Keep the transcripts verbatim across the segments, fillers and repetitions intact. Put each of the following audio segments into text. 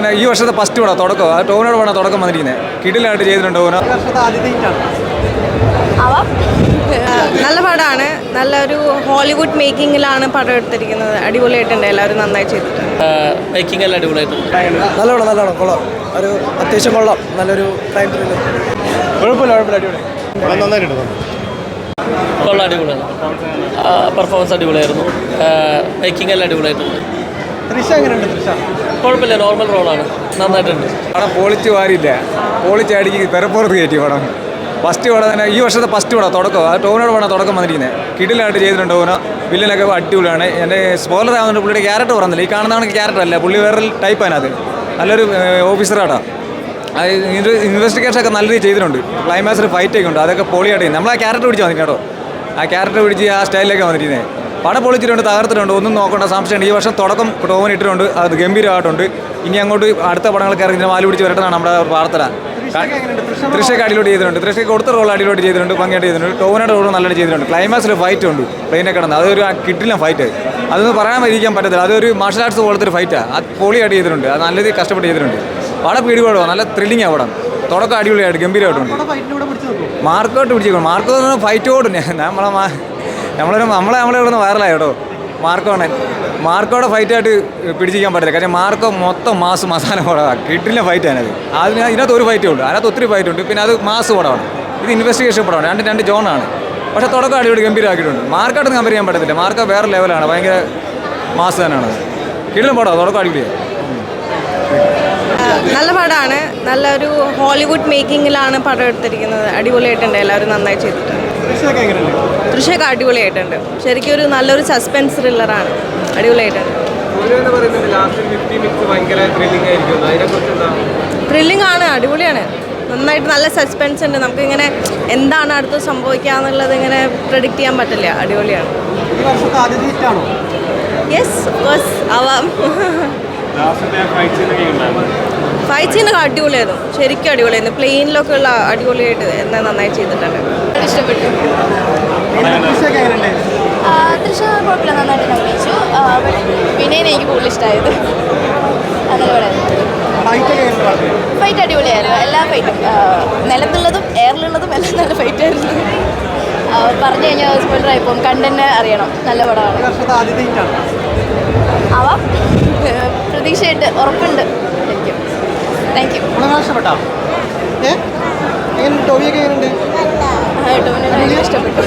തന്നെ ഈ വർഷത്തെ ഫസ്റ്റ് പടം തുടക്കം ആ ടോവിനോട് പടം തുടക്കം വന്നിരിക്കുന്നത് കിടിലായിട്ട് ചെയ്തിട്ടുണ്ട് ടോവിനോ. നല്ല പടമാണ്. നല്ലൊരു ഹോളിവുഡ് മേക്കിങ്ങിലാണ് പടം എടുത്തിരിക്കുന്നത്. അടിപൊളിയായിട്ടുണ്ട്. എല്ലാവരും നന്നായി ചെയ്തിട്ടുണ്ട്. മേക്കിംഗ് എല്ലാം അടിപൊളിയായിട്ടുണ്ട്. നല്ലോണം നല്ലോണം കൊള്ളാം. ഒരു അത്യാവശ്യം കൊള്ളാം. നല്ലൊരു ടൈം ത്രില്ലർ. കുഴപ്പമില്ല കുഴപ്പമില്ല അടിപൊളി നന്നായിട്ടുണ്ട്. കൊള്ളാം, അടിപൊളിയാണ്. പെർഫോമൻസ് അടിപൊളിയായിരുന്നു. മേക്കിംഗ് എല്ലാം അടിപൊളിയായിട്ടുണ്ട്. കുഴപ്പമില്ല, നോർമൽ റോളാണ്. നന്നായിട്ടുണ്ട്. പടം പൊളിച്ച് വാരില്ല, പൊളിച്ച് അടിക്ക് പെരപ്പുറത്ത് കയറ്റി പടം. ഫസ്റ്റ് പടം തന്നെ ഈ വർഷത്തെ ഫസ്റ്റ് പടം തുടക്കം ആ ടോവിനോട് പടം തുടക്കം വന്നിരിക്കുന്നത് കിടിലായിട്ട് ചെയ്തിട്ടുണ്ട് ടോവിനോ. വില്ലനൊക്കെ അടിപൊളിയാണ്. എൻ്റെ സ്പോയിലർ ആവുന്നുണ്ട്. പുള്ളിയുടെ ക്യാരക്ടർ പറഞ്ഞില്ല, ഈ കാണുന്നതാണ് ക്യാരക്ടർ അല്ല, പുള്ളി വേറൊരു ടൈപ്പാണ്. അത് നല്ലൊരു ഓഫീസറാണ്. ഇൻവെസ്റ്റിഗേഷൻ ഒക്കെ നല്ല രീതിയിൽ ചെയ്തിട്ടുണ്ട്. ക്ലൈമാക്സിൽ ഫൈറ്റൊക്കെ ഉണ്ട്, അതൊക്കെ പൊളിയായിട്ട് ചെയ്യുന്നത്. നമ്മൾ ആ ക്യാരക്ടർ പിടിച്ച് വന്നിട്ട് കേട്ടോ, ആ ക്യാരക്ടർ പിടിച്ച് ആ സ്റ്റൈലിലൊക്കെ വന്നിരിക്കുന്നത്. പടം പൊളിച്ചിട്ടുണ്ട്, തകർത്തിട്ടുണ്ട്. ഒന്നും നോക്കേണ്ട സംശയമുണ്ട്. ഈ വർഷം തുടക്കം ടോവിന് ഇട്ടിട്ടുണ്ട്, അത് ഗംഭീരമായിട്ടുണ്ട്. ഇനി അങ്ങോട്ട് അടുത്ത പടങ്ങളൊക്കെ ഇറങ്ങി മാല് പിടിച്ച് വരട്ടെന്നാണ് നമ്മുടെ പ്രാർത്ഥന. തൃശ്ശൊക്കെ അടിയിലോട്ട് ചെയ്തിട്ടുണ്ട്. തൃശ്ശയ്ക്ക് കൊടുത്ത റോൾ അടിയിലോട്ട് ചെയ്തിട്ടുണ്ട്, ഭംഗിയായിട്ട് ചെയ്തിട്ടുണ്ട്. ടോവിനോട് റോൾ നല്ലതായിട്ട് ചെയ്തിട്ടുണ്ട്. ക്ലൈമാക്സിൽ ഫൈറ്റ് ഉണ്ട്, പ്ലെയിനെ കിടന്ന് അതൊരു കിട്ടില്ല ഫൈറ്റ്. അതൊന്നും പറയാൻ ഇരിക്കാൻ പറ്റത്തില്ല. അതൊരു മാർഷൽ ആർട്സ് പോലത്തെ ഒരു ഫൈറ്റാണ്. അത് പൊളിയായിട്ട് ചെയ്തിട്ടുണ്ട്. അത് നല്ല രീതിയിൽ കഷ്ടപ്പെട്ട് ചെയ്തിട്ടുണ്ട്. പടം പിടിപാടുക നല്ല ത്രില്ലിംഗ് ആ പടം. തുടക്കം അടിപൊളിയായിട്ട് ഗംഭീരമായിട്ടുണ്ട്. മാർക്കോട്ട് പിടിച്ചേക്കും. മാർക്ക് ഫൈറ്റ് ഓടും. നമ്മളെ നമ്മളൊരു നമ്മളെ നമ്മളെ ഇവിടെ നിന്ന് വൈറലായി കേട്ടോ. മാർക്കോണെ മാർക്കോടെ ഫൈറ്റായിട്ട് പിടിച്ചിരിക്കാൻ പറ്റില്ല. കാര്യം മാർക്കോ മൊത്തം മാസ് മസാല പടമാണ്. കിട്ടില്ല ഫൈറ്റാണ് അത്. അതിന് ഇതിനകത്ത് ഒരു ഫൈറ്റേ ഉള്ളൂ. അതിനകത്ത് ഒത്തിരി ഫൈറ്റ് ഉണ്ട്. പിന്നെ അത് മാസ് പടമാണ്. ഇത് ഇൻവെസ്റ്റിഗേഷൻ പടമാണ്. രണ്ട് രണ്ട് ജോണാണ്. പക്ഷേ തുടക്കം അടിപൊളി ഗംഭീരമാക്കിയിട്ടുണ്ട്. മാർക്കായിട്ട് കമ്പയർ ചെയ്യാൻ പറ്റത്തില്ല. മാർക്ക വേറെ ലെവലാണ്. ഭയങ്കര മാസ് തന്നെയാണ്. കിടിലം പടമാണ്. തുടക്കം അടിപൊളിയാണ്. നല്ല പടമാണ്. നല്ലൊരു ഹോളിവുഡ് മേക്കിങ്ങിലാണ് പടം എടുത്തിരിക്കുന്നത്. അടിപൊളിയായിട്ടുണ്ട്. എല്ലാവരും നന്നായി ചെയ്തിട്ടുണ്ട്. തൃശ്ശൊക്കെ അടിപൊളിയായിട്ടുണ്ട്. ശരിക്കും ഒരു നല്ലൊരു സസ്പെൻസ് ത്രില്ലറാണ്. അടിപൊളിയായിട്ടുണ്ട്. ത്രില്ലിംഗ് ആണ്, അടിപൊളിയാണ്. നന്നായിട്ട് നല്ല സസ്പെൻസ് ഉണ്ട്. നമുക്കിങ്ങനെ എന്താണ് അടുത്ത് സംഭവിക്കുക എന്നുള്ളത് ഇങ്ങനെ പ്രെഡിക്റ്റ് ചെയ്യാൻ പറ്റില്ല. അടിപൊളിയാണ്. യെസ് ഓഫ്കോഴ്സ് ആവാം. ഫൈറ്റ് സീനൊക്കെ അടിപൊളിയായിരുന്നു. ശരിക്കും അടിപൊളിയായിരുന്നു. പ്ലെയിനിലൊക്കെ ഉള്ള അടിപൊളിയായിട്ട് എന്താ നന്നായി ചെയ്തിട്ടുണ്ട്. ഇഷ്ടപ്പെട്ടു. തൃശ്ശ കുഴപ്പമില്ല, നന്നായിട്ട് അഭിനയിച്ചു. പിന്നെ എനിക്ക് കൂടുതൽ ഇഷ്ടമായത് ഫൈറ്റ് അടിപൊളിയായിരുന്നു. എല്ലാ ഫൈറ്റും നിലത്തുള്ളതും എയറിലുള്ളതും എല്ലാം നല്ല ഫൈറ്റായിരുന്നു. പറഞ്ഞു കഴിഞ്ഞാൽ സ്പോയിലറായി പോകും. കണ്ടന്റ് അറിയണം. നല്ല പടമാണ്. ആവാം, പ്രതീക്ഷയുണ്ട്, ഉറപ്പുണ്ട്. ശരിക്കും താങ്ക് യു. ടോവിനെ ഇഷ്ടപ്പെട്ടു.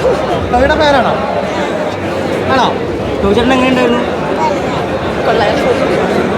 കൊള്ളാം.